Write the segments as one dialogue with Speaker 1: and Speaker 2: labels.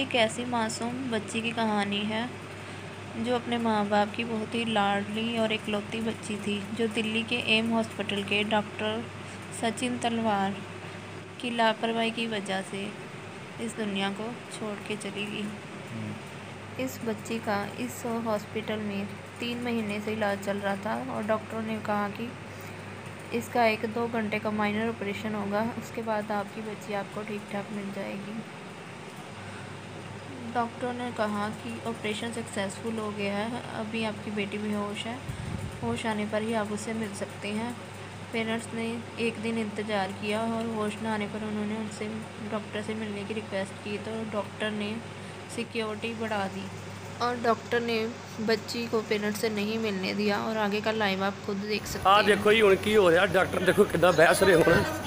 Speaker 1: एक ऐसी मासूम बच्ची की कहानी है जो अपने माँ बाप की बहुत ही लाडली और इकलौती बच्ची थी, जो दिल्ली के एम हॉस्पिटल के डॉक्टर सचिन तलवार की लापरवाही की वजह से इस दुनिया को छोड़ के चली गई। इस बच्ची का इस हॉस्पिटल में 3 महीने से इलाज चल रहा था और डॉक्टरों ने कहा कि इसका 1-2 घंटे का माइनर ऑपरेशन होगा, उसके बाद आपकी बच्ची आपको ठीक ठाक मिल जाएगी। डॉक्टर ने कहा कि ऑपरेशन सक्सेसफुल हो गया है, अभी आपकी बेटी बेहोश है, होश आने पर ही आप उससे मिल सकते हैं। पेरेंट्स ने एक दिन इंतज़ार किया और होश न आने पर उन्होंने उनसे डॉक्टर से मिलने की रिक्वेस्ट की, तो डॉक्टर ने सिक्योरिटी बढ़ा दी और डॉक्टर ने बच्ची को पेरेंट्स से नहीं मिलने दिया। और आगे का लाइव आप खुद देख सकते हैं।
Speaker 2: देखो ही हुण की हो रहा, डॉक्टर देखो कितना बहस रहे हो।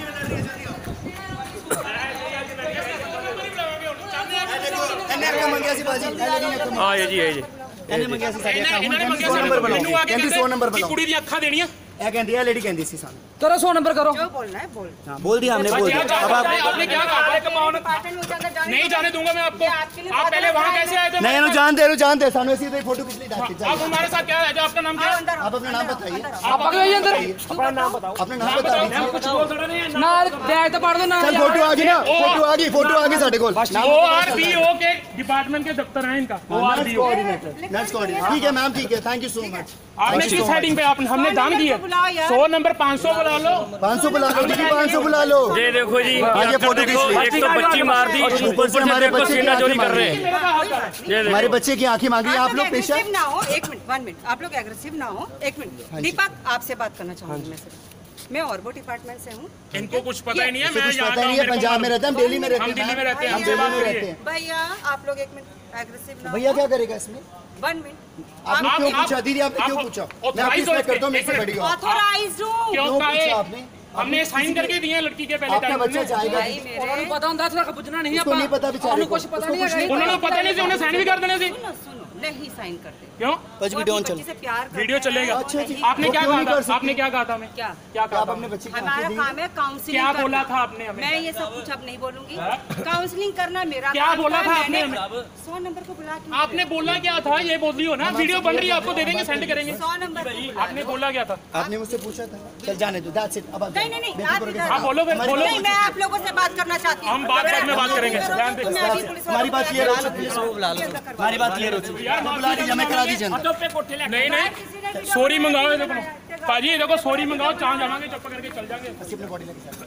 Speaker 3: ਇਹਨੇ ਮੰਗਿਆ ਸੀ ਸਾਡੇ ਅਕਾਊਂਟ 100 ਨੰਬਰ ਬਣਾਓ, ਕਹਿੰਦੀ 100 ਨੰਬਰ ਬਣਾਓ,
Speaker 4: ਕੁੜੀ ਦੀਆਂ ਅੱਖਾਂ ਦੇਣੀਆਂ।
Speaker 3: ਇਹ ਕਹਿੰਦੀ ਹੈ ਲੇਡੀ ਕਹਿੰਦੀ ਸੀ ਸਾਨੂੰ
Speaker 5: करो 100 नंबर करो।
Speaker 6: जो बोलना है बोल।
Speaker 3: हाँ बोल दिया हमने, बोल दिया। अब आप
Speaker 4: आपने क्या कहा? नहीं जाने दूंगा मैं आपको। आप पहले वहाँ कैसे आए थे?
Speaker 3: नहीं नो जान दे रो, जान दे सामने सीधे फोटो खींच ली डाल के।
Speaker 4: आप हमारे साथ क्या है? आपका नाम क्या है?
Speaker 3: आप अपना नाम बताइए।
Speaker 5: आप आ गए अंदर,
Speaker 3: अपना नाम बताओ, अपना नाम बता दीजिए।
Speaker 4: कुछ बोल थोड़ा नहीं है।
Speaker 5: नाल बैग तो पढ़ दो ना।
Speaker 3: चल फोटो आ गई ना, फोटो आ गई, फोटो आ गई साडे कोल।
Speaker 4: ORBO के डिपार्टमेंट के दफ्तर है इनका।
Speaker 3: नर्स कोऑर्डिनेटर, ठीक है मैम, ठीक है, थैंक यू सो मच।
Speaker 4: आपने किस हेडिंग पे हमने दान दिया? 100 नंबर 500 बुला लो,
Speaker 3: 500 बुला लो, 500 बुला लो।
Speaker 2: ये देखो जी,
Speaker 3: ये फोटो
Speaker 2: देखो, एक तो बच्ची मार दी, ऊपर से हमारे बच्चे की
Speaker 3: चोरी
Speaker 2: कर रहे हैं।
Speaker 3: हमारे बच्चे की आंखें मांगी। आप लोग पेशेंट
Speaker 6: ना हो, 1 मिनट, 1 मिनट, आप लोग एग्रेसिव ना हो, 1 मिनट। दीपक आपसे बात करना चाहूंगी मैं सिर्फ। मैं ऑर्बो डिपार्टमेंट से हूँ।
Speaker 4: इनको कुछ पता ही नहीं है।
Speaker 3: कुछ पता नहीं है, पंजाब में रहते हैं, हम दिल्ली में रहते हैं।
Speaker 4: हम दिल्ली में रहते हैं,
Speaker 3: हम दिल्ली में रहते हैं।
Speaker 6: भैया आप लोग 1 मिनट एग्रेसिव ना हो।
Speaker 3: भैया क्या करेगा इसमें?
Speaker 6: 1 मिनट।
Speaker 3: आपने क्यों पूछा दीदी, आपने क्यों पूछा? मैं आपकी रिस्पेक्ट करता हूँ, मेरे से बड़ी हो।
Speaker 6: ऑथोराइज्ड हूँ।
Speaker 4: क्यों
Speaker 3: पूछा आपने?
Speaker 4: हमने साइन करके दिए लड़की के पहले।
Speaker 3: आपका बच्चा चाहेगा?
Speaker 5: उन्होंने पता ਹੁੰਦਾ ਸੀ, ਪੁੱਛਣਾ ਨਹੀਂ
Speaker 3: उसको नहीं पता बेचारे को,
Speaker 5: कुछ पता नहीं है।
Speaker 4: उन्होंने पता नहीं से उन्हें साइन भी कर देने से।
Speaker 6: सुनो सुनो, नहीं साइन करते।
Speaker 4: क्यों?
Speaker 3: कुछ भी डोंट चल,
Speaker 6: से प्यार करते
Speaker 4: वीडियो
Speaker 6: हैं।
Speaker 4: चलेगा।
Speaker 3: अच्छा जी,
Speaker 4: आपने
Speaker 3: वो
Speaker 4: क्या
Speaker 3: क्यों
Speaker 4: कहा
Speaker 3: नहीं
Speaker 4: था?
Speaker 3: कर सकती?
Speaker 4: आपने क्या कहा था हमें?
Speaker 6: क्या
Speaker 4: क्या कहा
Speaker 3: आप
Speaker 4: था?
Speaker 3: अपने बच्चे की
Speaker 6: हमारा
Speaker 3: आंखें दी?
Speaker 6: काम है काउंसलिंग
Speaker 4: क्या
Speaker 6: करना।
Speaker 4: बोला था आपने हमें?
Speaker 6: मैं ये सब कुछ अब नहीं बोलूंगी। काउंसलिंग करना मेरा
Speaker 4: क्या
Speaker 6: काम
Speaker 4: बोला था आपने?
Speaker 6: 100 नंबर को बुला के
Speaker 4: आपने बोला क्या था? ये बोल रही हो ना, वीडियो बन रही है, आपको दे देंगे, सेंड करेंगे।
Speaker 6: 100 नंबर को बुला
Speaker 4: आपने बोला क्या था?
Speaker 3: आपने मुझसे पूछा था। चल जाने दो, दैट्स इट। अब आप
Speaker 6: नहीं, नहीं, नहीं,
Speaker 3: बेटी
Speaker 6: आप
Speaker 3: को
Speaker 6: इधर
Speaker 3: रखे।
Speaker 4: आप बोलो फिर, बोलो।
Speaker 6: नहीं, मैं आप लोगों से बात करना चाहती हूँ।
Speaker 4: हम बाद में बात करेंगे। ध्यान दे।
Speaker 3: हमारी बात क्लियर हो चुकी है, बुला लो। हमारी बात क्लियर हो चुकी है, बुला दीजिए, मैं करा दीजिए अंदर।
Speaker 4: नहीं नहीं, सॉरी मंगाओ ये देखो पाजी, ये देखो सॉरी मंगाओ, चाह जावांगे, चुप करके चल जाएंगे।
Speaker 3: अस्सी अपने बॉडी लेके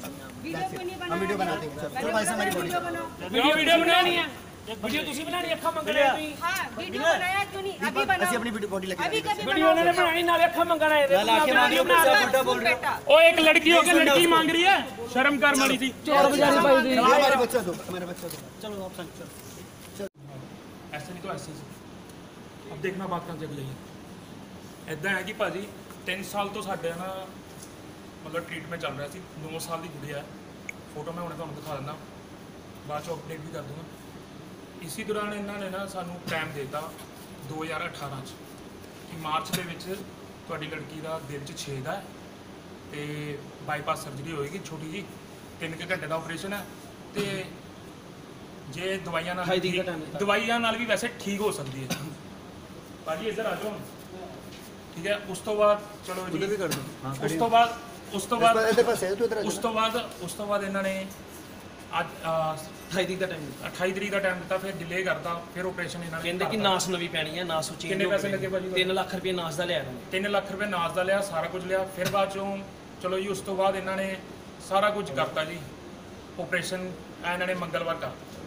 Speaker 3: हम वीडियो बना देंगे। चलो भाई से हमारी बॉडी
Speaker 4: वीडियो बनानी है, वीडियो तुसी बनानी, अखा मंगने आई।
Speaker 6: हाँ, वीडियो बनाया क्यों नहीं? अभी बनाओ।
Speaker 3: ਅਸੀਂ ਆਪਣੀ ਬੋਡੀ ਲੈ
Speaker 6: अभी
Speaker 3: ਕੇ
Speaker 6: कभी
Speaker 4: वीडियो उन्होंने बनाई, नाले अखा मंगना है।
Speaker 6: उल्टा बोल बेटा।
Speaker 4: ओ एक लड़की होके लड़की मांग रही है, शर्म कर मारी थी।
Speaker 3: हमारे बच्चा दो, हमारे बच्चा दो। चलो आप चलो।
Speaker 4: ऐसे नहीं तो ऐसे ही। अब देखना बात कहाँ जग रही है। इदा है कि भाजी 3 साल तो साढ़े ना मतलब ट्रीटमेंट चल रहा सी। 9 साल की कुड़ी है, फोटो मैं उन्हें दिखा दिना, बाद चो अपडेट भी कर दूँगा। इसी दौरान इन्होंने ना सानू टाइम देता 2018 कि मार्च के लड़की का दिल 'ਚ छेद है तो बाईपास सर्जरी होएगी छोटी जी, 3 घंटे का ऑपरेशन है। तो जे दवाइयां नाल भी वैसे ठीक हो सकती है। भाजी इधर आ जाओ, ठीक है। उस तो बाद चलो जी, उस तो बाद इन्होंने ਅੱਜ 28 ਤਰੀਕ ਦਾ ਟਾਈਮ ਦਿੱਤਾ, ਫਿਰ ਡਿਲੇ ਕਰਤਾ, ਫਿਰ ਆਪਰੇਸ਼ਨ ਇਹਨਾਂ ਨੇ
Speaker 5: ਕਹਿੰਦੇ ਕਿ ਨਾਸ ਨਵੀਂ ਪੈਣੀ ਹੈ, ਨਾਸ ਉੱਚੀ।
Speaker 4: ਕਿੰਨੇ ਪੈਸੇ ਲੱਗੇ ਭਾਜੀ?
Speaker 5: 3 ਲੱਖ ਰੁਪਏ ਨਾਸ ਦਾ ਲਿਆ।
Speaker 4: 3 ਲੱਖ ਰੁਪਏ ਨਾਸ ਦਾ ਲਿਆ, ਸਾਰਾ ਕੁਝ ਲਿਆ। ਫਿਰ ਬਾਅਦ ਚੋਂ ਚਲੋ ਜੀ, ਉਸ ਤੋਂ ਬਾਅਦ ਇਹਨਾਂ ਨੇ ਸਾਰਾ ਕੁਝ ਕਰਤਾ ਜੀ। ਆਪਰੇਸ਼ਨ ਇਹਨਾਂ ਨੇ ਮੰਗਲਵਾਰ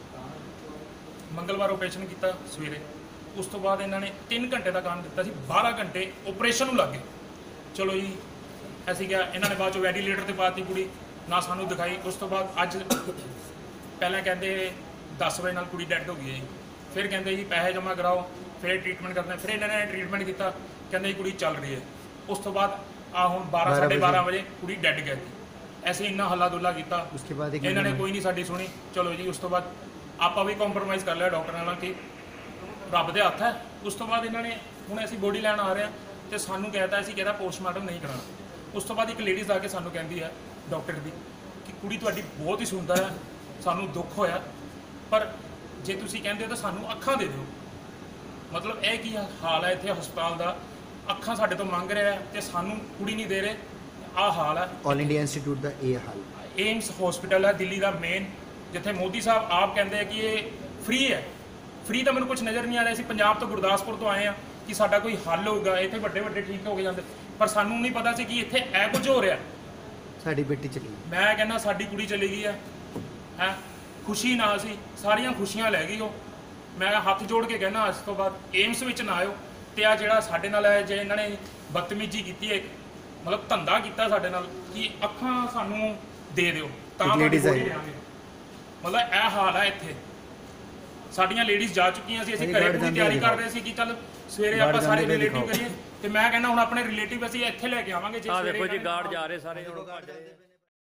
Speaker 4: ਆਪਰੇਸ਼ਨ ਕੀਤਾ ਸਵੇਰੇ। ਉਸ ਤੋਂ ਬਾਅਦ ਇਹਨਾਂ ਨੇ 3 ਘੰਟੇ ਦਾ ਕੰਮ ਦਿੱਤਾ ਸੀ, 12 ਘੰਟੇ ਆਪਰੇਸ਼ਨ ਨੂੰ ਲੱਗੇ। ਚਲੋ ਜੀ, ਅਸੀਂ ਕਿਹਾ, ਇਹਨਾਂ ਨੇ ਬਾਅਦ ਚੋਂ ਵੈਂਟੀਲੇਟਰ ਤੇ ਪਾਤੀ ਕੁੜੀ, ਨਾ ਸਾਨੂੰ ਦਿਖਾਈ। ਉਸ ਤੋਂ ਬਾਅਦ ਅੱਜ ਪਹਿਲਾਂ ਕਹਿੰਦੇ 10 ਵਜੇ ਨਾਲ ਕੁੜੀ ਡੈਡ ਹੋ ਗਈ ਹੈ ਜੀ। ਫਿਰ ਕਹਿੰਦੇ ਜੀ ਪੈਸੇ ਜਮ੍ਹਾਂ ਕਰਾਓ, ਫਿਰ ਟ੍ਰੀਟਮੈਂਟ ਕਰਦੇ। ਫਿਰ ਇਹਨਾਂ ਨੇ ਟ੍ਰੀਟਮੈਂਟ ਕੀਤਾ, ਕਹਿੰਦੇ ਜੀ ਕੁੜੀ ਚੱਲ ਰਹੀ ਹੈ। ਉਸ ਤੋਂ ਬਾਅਦ ਆ ਹੁਣ 12 ਸਾਢੇ 12 ਵਜੇ ਕੁੜੀ ਡੈਡ ਗਈ। ਐਸੇ ਇੰਨਾ ਹੱਲਾ ਦੁੱਲਾ ਕੀਤਾ, ਇਹਨਾਂ ਨੇ ਕੋਈ ਨਹੀਂ ਸਾਡੀ ਸੁਣੀ। ਚਲੋ ਜੀ, ਉਸ ਤੋਂ ਬਾਅਦ ਆਪਾਂ ਵੀ ਕੰਪਰੋਮਾਈਜ਼ ਕਰ ਲਿਆ ਡਾਕਟਰ ਨਾਲ ਕਿ ਰੱਬ ਦੇ ਹੱਥ ਹੈ। ਉਸ ਤੋਂ ਬਾਅਦ ਇਹਨਾਂ ਨੇ ਹੁਣ ਅਸੀਂ ਬੋਡੀ ਲੈਣ ਆ ਰਹੇ ਹਾਂ ਤੇ ਸਾਨੂੰ ਕਹਿਤਾ ਅਸੀਂ ਕਹਿੰਦਾ ਪੋਸਟਮਾਰਟਮ ਨਹੀਂ ਕਰਾਉਣਾ। ਉਸ ਤੋਂ ਬਾਅਦ ਇੱਕ ਲੇਡੀਜ਼ ਆ ਕੇ ਸਾਨੂੰ ਕਹਿੰਦੀ ਹੈ ਡਾਕਟਰ ਦੀ ਕਿ ਕੁੜੀ ਤੁਹਾਡੀ ਬਹੁਤ ਹੀ ਸੁੰਦਰ ਹੈ, ਸਾਨੂੰ ਦੁੱਖ ਹੋਇਆ, ਪਰ ਜੇ ਤੁਸੀਂ ਕਹਿੰਦੇ ਹੋ ਤਾਂ ਸਾਨੂੰ ਅੱਖਾਂ ਦੇ ਦਿਓ। ਮਤਲਬ ਇਹ ਕੀ ਹਾਲ ਹੈ ਇੱਥੇ ਹਸਪਤਾਲ ਦਾ, ਅੱਖਾਂ ਸਾਡੇ ਤੋਂ ਮੰਗ ਰਿਹਾ ਤੇ ਸਾਨੂੰ ਕੁੜੀ ਨਹੀਂ ਦੇ ਰਹੇ, ਆਹ ਹਾਲ ਹੈ।
Speaker 7: ਆਲ ਇੰਡੀਆ ਇੰਸਟੀਚਿਊਟ ਦਾ ਇਹ ਹਾਲ।
Speaker 4: ਏਮਸ ਹਸਪੀਟਲ ਹੈ ਦਿੱਲੀ ਦਾ ਮੇਨ, ਜਿੱਥੇ ਮੋਦੀ ਸਾਹਿਬ ਆਪ ਕਹਿੰਦੇ ਆ ਕਿ ਇਹ ਫ੍ਰੀ ਹੈ। ਫ੍ਰੀ ਤਾਂ ਮੈਨੂੰ ਕੁਝ ਨਜ਼ਰ ਨਹੀਂ ਆ ਰਿਹਾ। ਅਸੀਂ ਪੰਜਾਬ ਤੋਂ ਗੁਰਦਾਸਪੁਰ ਤੋਂ ਆਏ ਆ ਕਿ ਸਾਡਾ ਕੋਈ ਹੱਲ ਹੋਊਗਾ, ਇੱਥੇ ਵੱਡੇ ਵੱਡੇ ਠੀਕ ਹੋ ਕੇ ਜਾਂਦੇ, ਪਰ ਸਾਨੂੰ ਨਹੀਂ ਪਤਾ ਸੀ ਕਿ ਇੱਥੇ ਇਹ ਕੁਝ ਹੋ ਰਿਹਾ।
Speaker 7: ਸਾਡੀ ਬੇਟੀ ਚਲੀ ਗਈ।
Speaker 4: ਮੈਂ ਕਹਿੰਦਾ ਸਾਡੀ ਕੁੜੀ ਚਲੀ ਗਈ ਹੈ ਖੁਸ਼ੀ ਨਾਲ ਸੀ, ਸਾਰੀਆਂ ਖੁਸ਼ੀਆਂ ਲੈ ਗਈ ਉਹ। ਮੈਂ ਹੱਥ ਜੋੜ ਕੇ ਕਹਿੰਦਾ ਅੱਜ ਤੋਂ ਬਾਅਦ ਏਮਸ ਵਿੱਚ ਨਾ ਆਇਓ। ਤੇ ਆ ਜਿਹੜਾ ਸਾਡੇ ਨਾਲ ਹੈ, ਜੇ ਇਹਨਾਂ ਨੇ ਬਦਤਮੀਜ਼ੀ ਕੀਤੀ ਹੈ, ਮਤਲਬ ਧੰਦਾ ਕੀਤਾ ਸਾਡੇ ਨਾਲ ਕਿ ਅੱਖਾਂ ਸਾਨੂੰ ਦੇ ਦਿਓ ਤਾਂ ਤੁਹਾਡੀ ਬੋਡੀ ਦੇਵਾਂਗੇ। ਮਤਲਬ ਇਹ ਹਾਲ ਹੈ ਇੱਥੇ। ਸਾਡੀਆਂ ਲੇਡੀਜ਼ ਜਾ ਚੁੱਕੀਆਂ ਸੀ, ਅਸੀਂ ਘਰੇ ਪੂਰੀ ਤਿਆਰੀ ਕਰ ਰਹੇ ਸੀ ਕਿ ਚੱਲ ਸਵੇਰੇ ਆਪਾਂ ਸਾਰੇ ਰਿਲੇਟਿਵ ਕਰੀਏ। ਤੇ ਮੈਂ ਕਹਿੰਦਾ ਹੁਣ ਆਪਣੇ ਰਿਲੇਟਿਵ ਅਸੀਂ ਇੱਥੇ ਲੈ ਕੇ ਆਵਾਂਗੇ। ਜੇ
Speaker 2: ਆ ਦੇਖੋ ਜੀ
Speaker 4: ਸਵੇਰੇ
Speaker 2: ਗਾਰਡ ਜਾ ਰਹੇ ਸਾਰੇ ਹੁਣ ਭੱਜ ਰਹੇ।